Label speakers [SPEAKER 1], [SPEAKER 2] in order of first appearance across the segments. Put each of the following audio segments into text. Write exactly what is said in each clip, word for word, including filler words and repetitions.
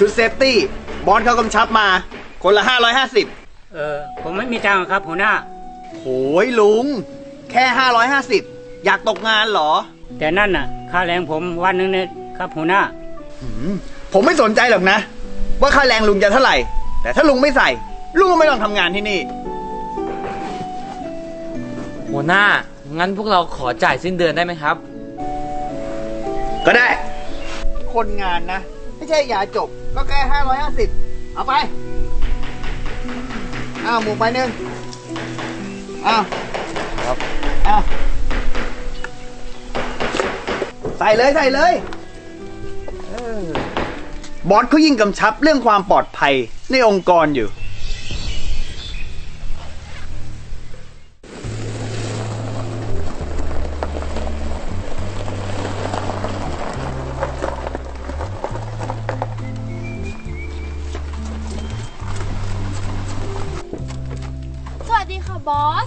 [SPEAKER 1] ชุดเซฟตี้บอสเขากำชับมาคนละห้าร้อยห้าสิบ
[SPEAKER 2] เออผมไม่มีตังค์ครับหัวหน้า
[SPEAKER 1] โหยลุงแค่ห้าร้อยห้าสิบอยากตกงานเหรอ
[SPEAKER 2] แต่นั่นน่ะค่าแรงผมวันหนึ่งเนี่ยครับหัวหน้า
[SPEAKER 1] ผมไม่สนใจหรอกนะว่าค่าแรงลุงจะเท่าไหร่แต่ถ้าลุงไม่ใส่ลุงก็ไม่ต้องทำงานที่นี่
[SPEAKER 3] หัวหน้างั้นพวกเราขอจ่ายสิ้นเดือนได้ไหมครับ
[SPEAKER 1] ก็ได้คนงานนะไม่ใช่ยาจบก็แค่ห้าร้อยห้าสิบเอาไปอ้าวหมูไปหนึ่งอ้าวครับอ้าวใส่เลยใส่เลยบอสเขายิ่งกำชับเรื่องความปลอดภัยในองค์กรอยู่
[SPEAKER 4] สวัสดีค่ะบอส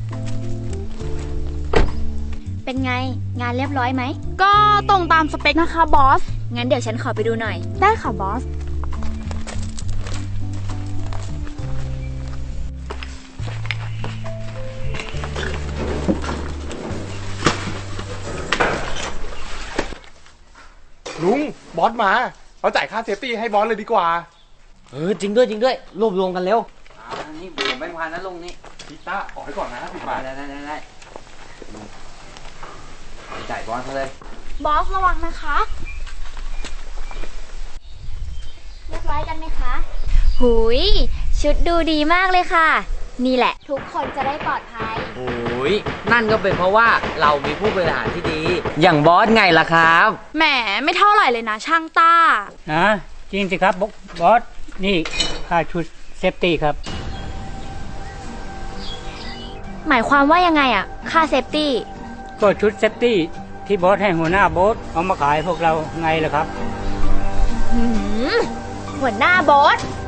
[SPEAKER 5] เป็นไงงานเรียบร้อยไหม
[SPEAKER 4] ก็ตรงตามสเปคนะคะบอส
[SPEAKER 5] งั้นเดี๋ยวฉันขอไปดูหน่อย
[SPEAKER 4] ได้ค่ะบอส
[SPEAKER 6] ลุงบอสมาเราจ่ายค่าเซฟตี้ให้บอสเลยดีกว่า
[SPEAKER 3] เออจริงด้วยจริงด้วยรวบรวมกันเร็วอันนี้ผมแบงค์พันนะลุงนี่
[SPEAKER 6] พิต้าออกให้ก่อนนะสิบบาท
[SPEAKER 3] ได้ได้ได้ได้จ่ายบอสเขาเลย
[SPEAKER 4] บอสระวังนะคะ
[SPEAKER 5] เรียบร้อยกันไหมคะหุยชุดดูดีมากเลยค่ะนี่แหละทุกคนจะได้ปลอดภัย
[SPEAKER 3] โอ้ยนั่นก็เป็นเพราะว่าเรามีผู้บริหารที่ดีอย่างบอสไงล่ะครับ
[SPEAKER 4] แหมไม่เท่าไหร่เลยนะช่างต้า
[SPEAKER 2] นะจริงสิครับบอสนี่ค่าชุดเซฟตี้ครับ
[SPEAKER 5] หมายความว่ายังไงอะค่าเซฟตี้
[SPEAKER 2] ก็ชุดเซฟตี้ที่บอสให้หัวหน้าบอสเอามาขายพวกเราไงล่ะครับ
[SPEAKER 5] หัวหน้าบอส